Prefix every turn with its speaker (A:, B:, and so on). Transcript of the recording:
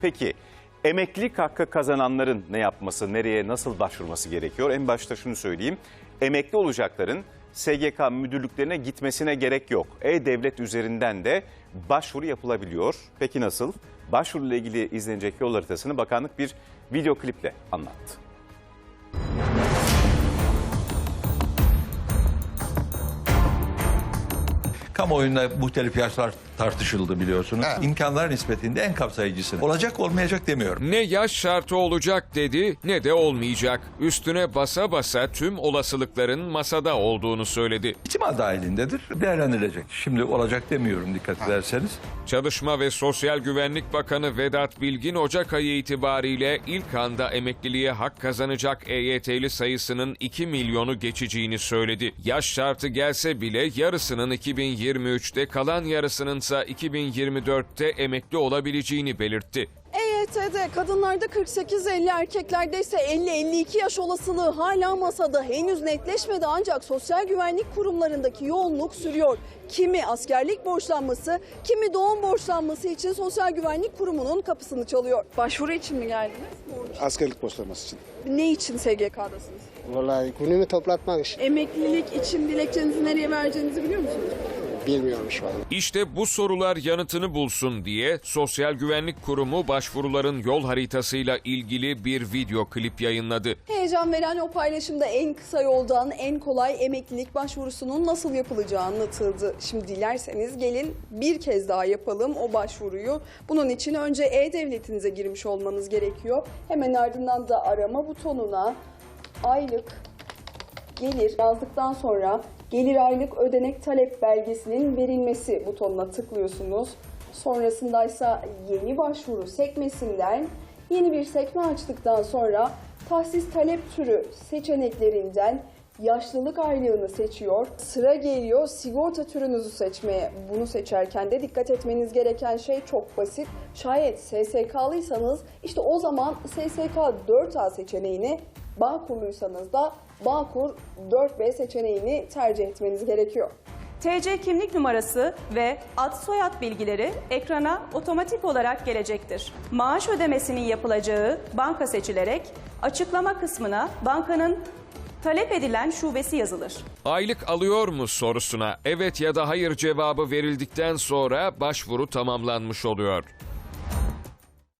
A: Peki emeklilik hakkı kazananların ne yapması, nereye, nasıl başvurması gerekiyor? En başta şunu söyleyeyim. Emekli olacakların SGK müdürlüklerine gitmesine gerek yok. E-Devlet üzerinden de başvuru yapılabiliyor. Peki nasıl? Başvuruyla ilgili izlenecek yol haritasını bakanlık bir video kliple anlattı.
B: Kamuoyunda muhtelif yaşlar tartışıldı biliyorsunuz.
C: Evet.
B: İmkanlar nispetinde en kapsayıcısını. Olacak olmayacak demiyorum.
D: Ne yaş şartı olacak dedi ne de olmayacak. Üstüne basa basa tüm olasılıkların masada olduğunu söyledi.
B: İhtimal dahilindedir. Değerlendirilecek. Şimdi olacak demiyorum dikkat ederseniz.
D: Çalışma ve Sosyal Güvenlik Bakanı Vedat Bilgin Ocak ayı itibariyle ilk anda emekliliğe hak kazanacak EYT'li sayısının 2 milyonu geçeceğini söyledi. Yaş şartı gelse bile yarısının 2023'te kalan yarısının ise 2024'te emekli olabileceğini belirtti.
E: EYT'de kadınlarda 48-50, erkeklerde ise 50-52 yaş olasılığı hala masada. Henüz netleşmedi ancak sosyal güvenlik kurumlarındaki yoğunluk sürüyor. Kimi askerlik borçlanması, kimi doğum borçlanması için Sosyal Güvenlik Kurumu'nun kapısını çalıyor. Başvuru için mi geldiniz?
C: Askerlik borçlanması için.
E: Ne için SGK'dasınız?
C: Vallahi günümü toplatmak için.
E: Emeklilik için dilekçenizi nereye vereceğinizi biliyor musunuz?
C: Bilmiyorum şu an.
D: İşte bu sorular yanıtını bulsun diye Sosyal Güvenlik Kurumu başvuruların yol haritasıyla ilgili bir video klip yayınladı.
E: Heyecan veren o paylaşımda en kısa yoldan en kolay emeklilik başvurusunun nasıl yapılacağı anlatıldı. Şimdi dilerseniz gelin bir kez daha yapalım o başvuruyu. Bunun için önce E-Devletinize girmiş olmanız gerekiyor. Hemen ardından da arama butonuna aylık gelir yazdıktan sonra gelir aylık ödenek talep belgesinin verilmesi butonuna tıklıyorsunuz. Sonrasındaysa yeni başvuru sekmesinden yeni bir sekme açtıktan sonra tahsis talep türü seçeneklerinden yaşlılık aylığını seçiyor. Sıra geliyor sigorta türünüzü seçmeye. Bunu seçerken de dikkat etmeniz gereken şey çok basit. Şayet SSK'lıysanız işte o zaman SSK 4A seçeneğini, Bağkurluysanız da Bağkur 4B seçeneğini tercih etmeniz gerekiyor.
F: TC kimlik numarası ve ad soyad bilgileri ekrana otomatik olarak gelecektir. Maaş ödemesinin yapılacağı banka seçilerek açıklama kısmına bankanın talep edilen şubesi yazılır.
D: Aylık alıyor mu sorusuna evet ya da hayır cevabı verildikten sonra başvuru tamamlanmış oluyor.